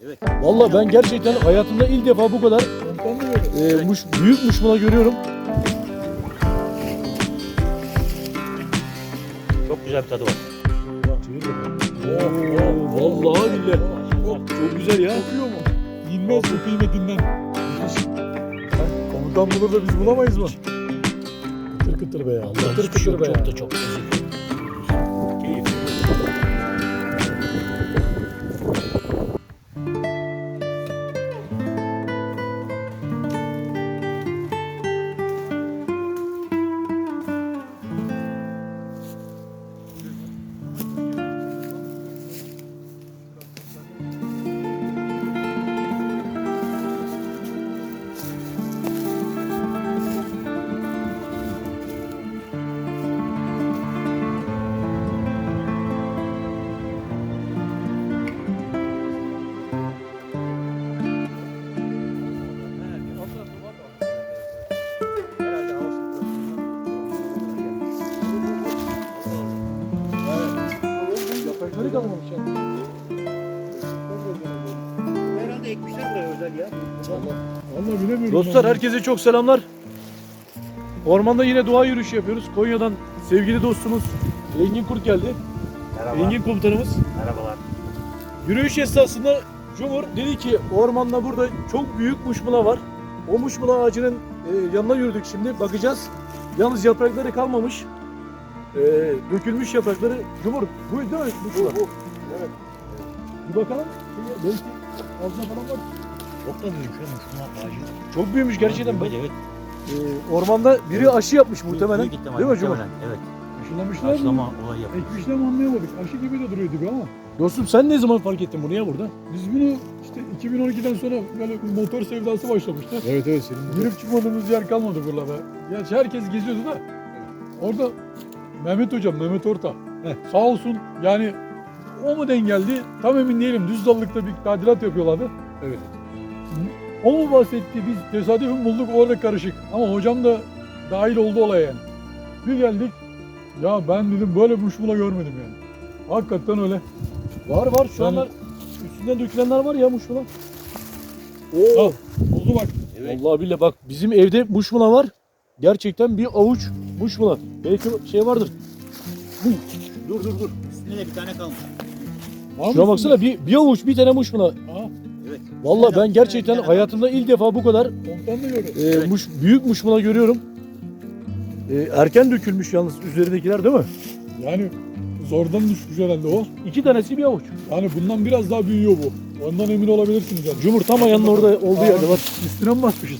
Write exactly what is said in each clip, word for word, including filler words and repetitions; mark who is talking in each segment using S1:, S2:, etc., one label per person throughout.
S1: Evet.
S2: Vallahi ben gerçekten hayatımda ilk defa bu kadar e, muş, büyük muşmula görüyorum.
S1: Çok güzel bir tadı var.
S2: Oo, vallahi billahi. Çok, çok güzel ya.
S3: Kokuyor mu? İnmez bu kıymetinden. Komutan bulur da biz bulamayız mı? Kıtır kıtır be ya.
S2: Allah
S3: Kıtır
S2: hiçbir şey
S3: kıtır
S2: yok.
S3: be ya.
S2: Çok da çok lezzetli.
S1: Keyifli.
S3: Yaprakları kalmamış ya.
S1: Herhalde ekmişler buraya özel ya.
S3: Vallahi bilemiyorum.
S2: Dostlar
S3: ben.
S2: herkese çok selamlar. Ormanda yine doğa yürüyüşü yapıyoruz. Konya'dan sevgili dostumuz Engin Kurt geldi.
S1: Merhaba.
S2: Engin komutanımız.
S1: Merhabalar.
S2: Yürüyüş esnasında Cumhur dedi ki ormanda burada çok büyük muşmula var. O muşmula ağacının e, yanına yürüdük şimdi. Bakacağız. Yalnız yaprakları kalmamış. E, dökülmüş yaprakları. Cumhur bu değil mi muşmula?
S3: Evet.
S2: Bir bakalım. Belki altına falan var.
S1: Çok da büyümüş ya muşmula ağacı.
S2: Çok büyümüş gerçekten.
S1: Evet, evet.
S2: E, ormanda biri aşı yapmış muhtemelen.
S1: Büyük ihtimal,
S2: Değil mi Cumhur?
S1: muhtemelen, evet.
S3: Aşılamışlar mı?
S1: Aşılama olayı yapıyor.
S3: Ekmişler mi anlayamadık. Aşı gibi de duruyordu be ama.
S2: Dostum sen ne zaman fark ettin bunu ya burada?
S3: Biz bunu işte iki bin on ikiden sonra böyle bir motor sevdası başlamıştı.
S2: Evet evet senin.
S3: Girip çıkmadığımız yer kalmadı buralarda. Gerçi herkes geziyordu da. Orada Mehmet hocam, Mehmet Orta.
S2: Heh.
S3: Sağ olsun yani o mu denk geldi? Tam emin değilim. Düz dallıkta bir tadilat yapıyorlardı.
S2: Evet.
S3: O mu bahsetti? Biz tesadüfen bulduk orada karışık. Ama hocam da dahil oldu olaya yani. Bir geldik. Ya ben dedim böyle muşmula görmedim yani. Hakikaten öyle.
S2: Var var şu
S3: Yani-
S2: anlar üstünden dökülenler var ya muşmula. Oo.
S3: Al. Oldu bak.
S1: Evet.
S2: Vallahi billahi bak bizim evde muşmula var. Gerçekten bir avuç muşmula. Belki şey vardır. Dur dur dur.
S1: Üstünde de bir tane kalmış.
S3: Var
S2: Şuna
S3: mısın?
S2: baksana bir, bir avuç bir tane muşmula.
S3: Aha,
S1: Evet.
S2: Vallahi ben gerçekten hayatımda ilk defa bu kadar
S3: komutan da gördü.
S2: e, muş, büyük muşmula görüyorum. E, erken dökülmüş yalnız üzerindekiler değil mi?
S3: Yani zordan düşmüş herhalde o.
S2: İki tanesi bir avuç.
S3: Yani bundan biraz daha büyüyor bu. Ondan emin olabilirsiniz yani.
S2: Cumhur tam ayağının orada olduğu
S3: Aa,
S2: yerde var.
S3: Üstüne mi basmışız?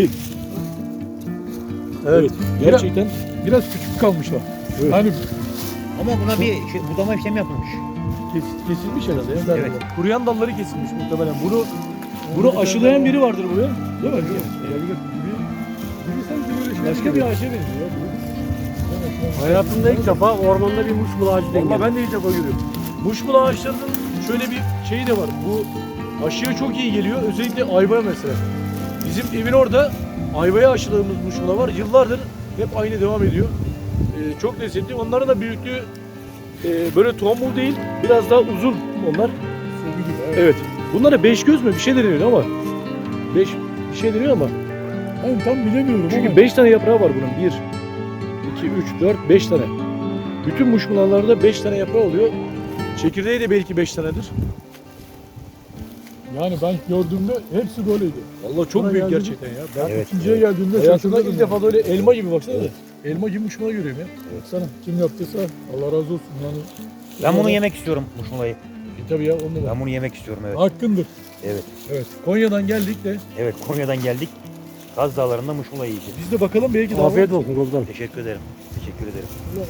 S2: Evet. Gerçekten.
S3: Biraz küçük kalmışlar.
S2: Evet.
S3: Hani
S1: Ama buna bir şey, budama işlemi yapılmış.
S2: Kes, kesilmiş herhalde. Ya.
S1: Evet.
S2: Kuruyan dalları kesilmiş muhtemelen. Bunu bunu aşılayan biri vardır buraya. Değil mi?
S3: olabilir. Biri, biri sanki böyle şey
S2: Başka bir ağaca benziyor. ya.
S4: Hayatımda ilk defa ormanda bir muşmula ağacı denk
S2: Vallahi
S4: geldi.
S2: ben de ilk defa görüyorum. Muşmula ağaçlarının şöyle bir şeyi de var. Bu aşıya çok iyi geliyor. Özellikle ayvaya mesela. Bizim evin orada ayvaya aşıladığımız muşmula var. Yıllardır hep aynı devam ediyor. Ee, çok lezzetli. Onların da büyüklüğü e, böyle tombul değil. Biraz daha uzun onlar.
S3: Sevgi gibi. Evet.
S2: Evet. Bunlara beş göz mü bir şey deniyor ama. Beş bir şey deniyor ama.
S3: Ben tam bilemiyorum
S2: Çünkü
S3: ama.
S2: beş tane yaprağı var bunun. Bir, iki, üç, dört, beş tane. Bütün muşmulalarda beş tane yaprağı oluyor. Çekirdeği de belki beş tanedir.
S3: Yani ben gördüğümde hepsi böyleydi.
S2: Vallahi çok
S3: Buna
S2: büyük
S3: geldi.
S2: gerçekten ya. Ben
S1: Evet.
S3: İkinciye geldiğimde
S2: hayatımda
S3: şaşırdım.
S2: ilk defa böyle elma gibi baksana.
S1: Evet.
S2: Elma gibi muşmula görüyorum ya.
S3: Baksana kim yaptıysa Allah razı olsun yani.
S1: Ben bunu yemek istiyorum muşmulayı.
S2: E, tabii ya onu da.
S1: Ben bunu yemek istiyorum, evet.
S3: Hakkındır.
S1: Evet.
S2: Evet. Konya'dan geldik de
S1: Evet, Konya'dan geldik. Kaz Dağları'nda muşmula yiyeceğiz.
S2: biz de bakalım belki daha
S4: Afiyet olsun komutanım.
S1: Teşekkür ederim. Teşekkür ederim.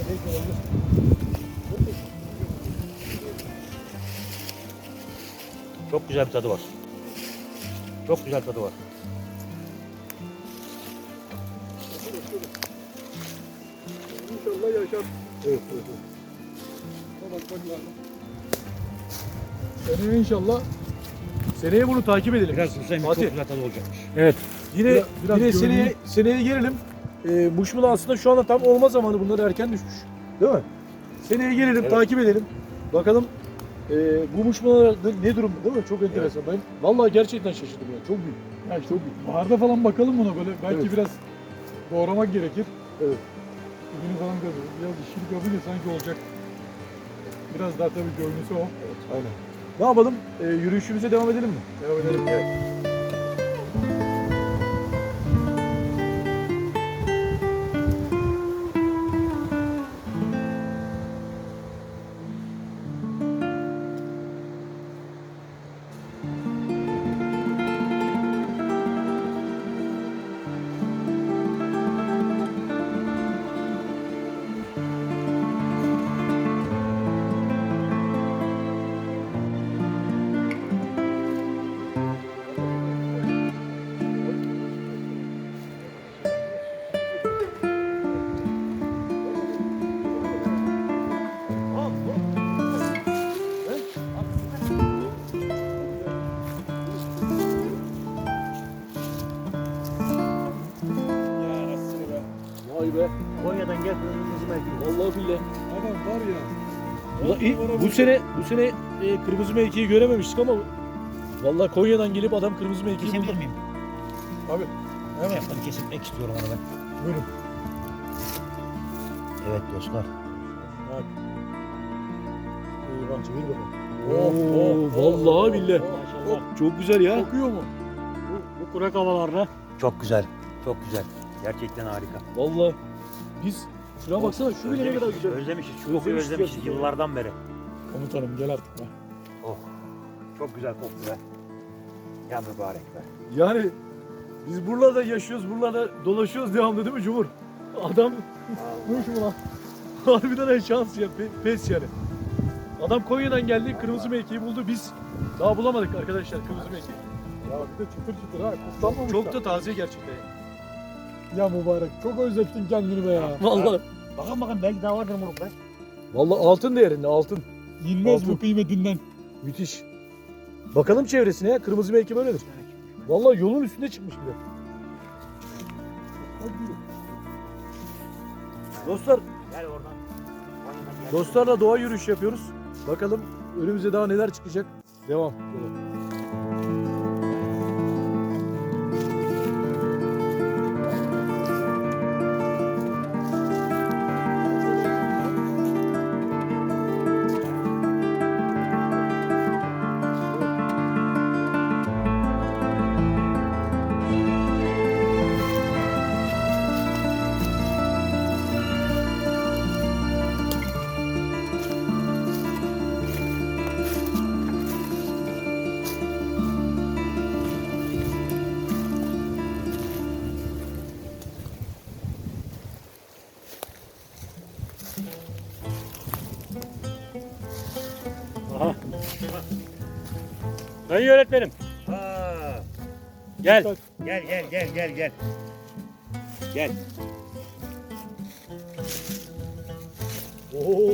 S1: Çok güzel bir tadı var. Çok güzel tadı var.
S3: İnşallah yaşar.
S2: Evet, evet, evet.
S3: Bak bak lazım. Seneye inşallah
S2: Seneye bunu takip edelim.
S1: Biraz susayım, çok
S2: Fatih.
S1: güzel tadı olacakmış.
S2: Evet. Yine
S3: Biraz- biraz
S2: yine
S3: görünüyor.
S2: seneye seneye gelelim. Ee, muşmula aslında şu anda tam olma zamanı. Bunlar erken düşmüş. Değil mi? Seneye gelelim,
S1: Evet.
S2: takip edelim. Bakalım e, bu muşmulalar ne, ne durumda değil mi? Çok enteresan. Ben vallahi gerçekten şaşırdım ya. Çok büyük.
S3: Ya işte baharda falan bakalım buna böyle. Belki
S2: Evet.
S3: biraz doğramak gerekir.
S2: Evet.
S3: Dibini falan görürüz. Biraz işini yapınca sanki olacak. Biraz daha tabii görünüsü o.
S2: Aynen. Ne yapalım? E, yürüyüşümüze devam edelim mi?
S3: Devam edelim.
S2: Evet. Vay be.
S1: Konya'dan gel kırmızı mevki.
S2: Vallahi billahi.
S3: Adam var ya.
S2: Ulan iyi, bu sene bu sene e, kırmızı mevkiyi görememiştik ama vallahi Konya'dan gelip adam kırmızı mevkiyi
S1: Kesebilir
S2: buldu.
S1: miyim?
S3: Abi.
S1: Hemen. Yaptım kesilmek istiyorum onu ben.
S3: Buyurun.
S1: Evet dostlar.
S2: Bak. İyi bak çevir bakalım. Oo, vallahi billahi.
S4: Maşallah.
S2: Çok güzel ya.
S3: Kokuyor mu?
S4: Bu, bu kurak havalarda
S1: Çok güzel. Çok güzel. Gerçekten harika.
S2: Vallahi biz şuna baksana şu bile ne kadar
S1: Özlemişiz,
S2: güzel.
S1: özlemişiz. Şu kokuyu
S2: Özlemişiz
S1: özlemişiz
S2: gerçekten.
S1: yıllardan beri.
S3: Komutanım gel artık be.
S1: Oh. Çok güzel koktu be. Ya mübarek be.
S2: Yani biz buralarda yaşıyoruz, buralarda dolaşıyoruz devamlı değil mi Cumhur? Adam
S3: Buyur şu lan.
S2: harbiden en şans ya, pe- pes yani. Adam Konya'dan geldi, kırmızı mevkiyi buldu. Biz daha bulamadık arkadaşlar kırmızı mevkiyi.
S3: Ya bir de çıtır çıtır ha. Kutlanmamış
S2: Çok
S3: da.
S2: da taze gerçekten.
S3: Ya mübarek. Çok özlettin kendini be ya.
S2: Vallahi.
S1: Bakın bakın belki daha vardır moruk be.
S2: Vallahi altın değerinde altın.
S3: Yenmez
S2: Altın.
S3: bu kıymetinden.
S2: Müthiş. Bakalım çevresine ya. Kırmızı mevki böyledir. Vallahi yolun üstünde çıkmış bile. Dostlar,
S1: Gel oradan. Konya'dan gel.
S2: dostlarla doğa yürüyüşü yapıyoruz. Bakalım önümüze daha neler çıkacak. Devam.
S4: Aha. Sayın öğretmenim.
S1: Aa,
S4: Gel.
S1: gel gel gel gel gel. Gel.
S2: Oo.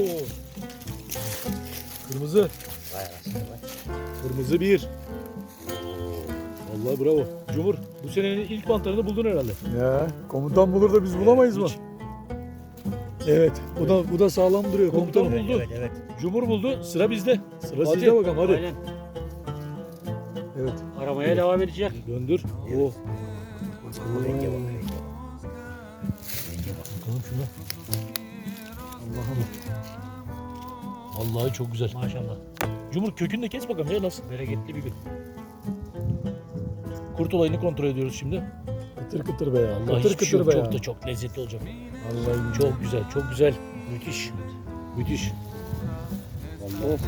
S2: Kırmızı.
S1: Vay anasını be.
S2: Kırmızı bir. Vallahi bravo. Cumhur, bu senenin ilk mantarını buldun herhalde.
S3: Ya komutan bulur da biz bulamayız mı?
S2: Hiç. Evet.
S3: Bu da bu da sağlam duruyor
S2: Komutan
S3: komutanım.
S2: buldu.
S1: Evet evet.
S2: Cumhur buldu. Sıra bizde. Sıra
S3: Hadi.
S2: sizde bakalım hadi.
S4: Aynen.
S3: Evet.
S4: Aramaya devam edecek.
S2: Döndür. Oo.
S1: Renge bak renge. Renge bak.
S2: Bakalım şuna. Allah'ım. Vallahi çok güzel.
S4: Maşallah.
S2: Cumhur kökünü de kes bakalım ya nasıl?
S4: Bereketli bir gün.
S2: Kurt olayını kontrol ediyoruz şimdi.
S3: Kıtır kıtır be ya.
S2: Allah
S3: Kıtır
S2: hiçbir şey
S3: kıtır
S2: yok.
S3: be
S2: Çok
S3: ya.
S2: da çok lezzetli olacak.
S3: Vallahi
S2: Çok güzel, çok güzel. Müthiş. Müthiş. Vallahi.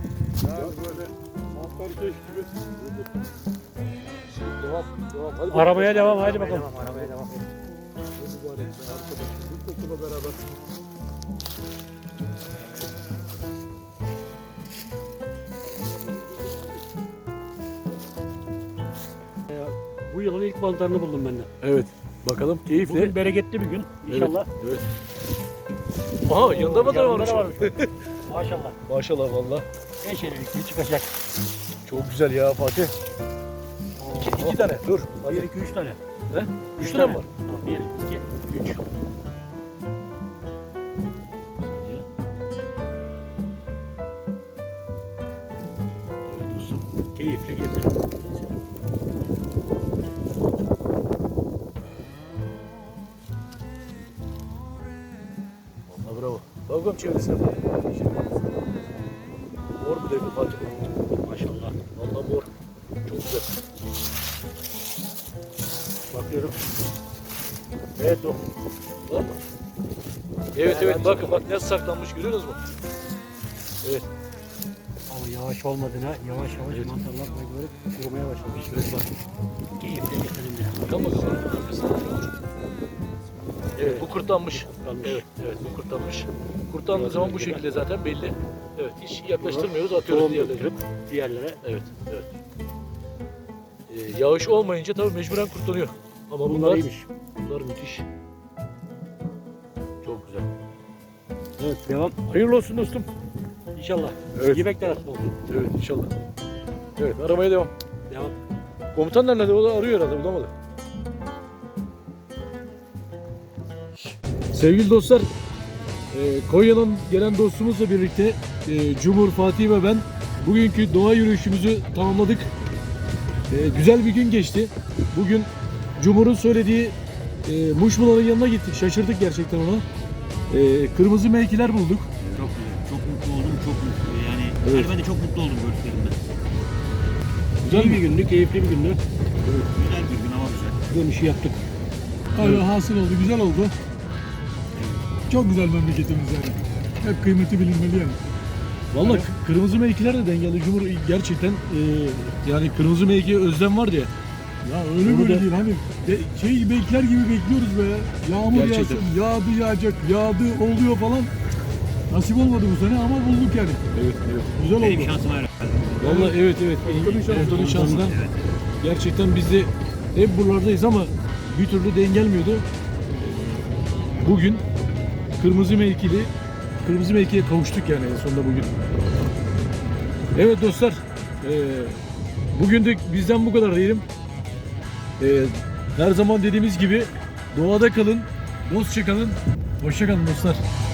S2: Devam, devam. Hadi
S4: Aramaya devam. Hadi
S1: Aramaya
S4: bakalım.
S1: devam, aramaya devam.
S3: beraber.
S4: Bu yılın ilk mantarını buldum ben de.
S2: Evet. Bakalım keyifle.
S4: Bugün bereketli bir gün. İnşallah.
S2: Evet. Aha yanında mı da
S4: Yanında
S2: varmış?
S4: da varmış. Maşallah.
S2: Maşallah valla.
S4: Beş ellikli çıkacak.
S2: Çok güzel ya Fatih. İki, iki tane. Dur.
S4: Bir, iki, üç tane.
S2: He? Üç tane mi var?
S4: Bir, iki, üç. Keyifli gezelim.
S2: Vallahi bravo. Bakalım çevresine bak. Mor bir de Fatih.
S4: Maşallah.
S2: Vallahi mor. Çok güzel.
S4: Bakıyorum.
S2: Evet o. Var mı? Evet evet bakın bak nasıl saklanmış görüyorsunuz mu? Evet.
S4: Ama yavaş olmadığına yavaş yavaş
S2: Evet.
S4: mantarlar böyle kurumaya başlamış. Evet bak. Keyifli gezelim biraz.
S2: Bakalım bakalım. Evet bu kurtlanmış.
S4: Kurtlanmış.
S2: Evet evet bu kurtlanmış. Kurtlandığı zaman bu şekilde zaten belli. Evet hiç yaklaştırmıyoruz atıyoruz
S4: Tohum
S2: diğerlerine.
S4: götürüp diğerlere.
S2: Evet evet. Ee, yağış olmayınca tabii mecburen kurtlanıyor. Ama bunlar,
S4: Bunlar iyiymiş.
S2: bunlar müthiş. Çok güzel.
S4: Evet devam.
S2: Hayırlı olsun dostum.
S4: İnşallah.
S2: Evet.
S4: Yemek de nasip olsun.
S2: Evet inşallah. Evet aramaya devam.
S4: Devam.
S2: Komutan nerede? O da arıyor herhalde bulamadı. Sevgili dostlar, e, Konya'dan gelen dostumuzla birlikte e, Cumhur, Fatih ve ben bugünkü doğa yürüyüşümüzü tamamladık. E, güzel bir gün geçti. Bugün Cumhur'un söylediği e, Muşmula'nın yanına gittik. Şaşırdık gerçekten ona. E, kırmızı mevkiler bulduk.
S5: Çok güzel. Çok mutlu oldum. Çok mutlu. Yani,
S2: Evet.
S5: yani ben de çok mutlu oldum gördüklerimden.
S2: Güzel
S4: İyi
S2: bir
S4: bir gündü, keyifli bir gündü.
S5: Güzel bir gün, hava güzel.
S4: Dönüşü yaptık.
S3: Öyle hasıl oldu, güzel oldu. Çok güzel memleketimiz yani. Hep kıymeti bilinmeli yani.
S2: Vallahi k- kırmızı mevkiler de dengeli. Cumhur gerçekten e, yani kırmızı mevkiye özlem vardı ya.
S3: Ya öyle
S2: Bunu
S3: böyle
S2: da-
S3: değil hani de, şey bekler gibi bekliyoruz be. Yağmur
S2: Gerçekten.
S3: yağsın, yağdı yağacak, yağdı oluyor falan. Nasip olmadı bu sene ama bulduk yani.
S2: Evet, evet.
S3: Güzel
S5: Benim
S3: oldu.
S5: şansım var.
S2: Vallahi evet evet.
S3: Komutanın şansı.
S2: Komutanın şansından
S5: Evet.
S2: gerçekten biz de hep buralardayız ama bir türlü denk gelmiyordu. Bugün kırmızı mevkili kırmızı mevkiye kavuştuk yani en sonunda bugün. Evet dostlar, eee bugün de bizden bu kadar diyelim. Eee, her zaman dediğimiz gibi doğada kalın, dostça kalın, hoşça kalın dostlar.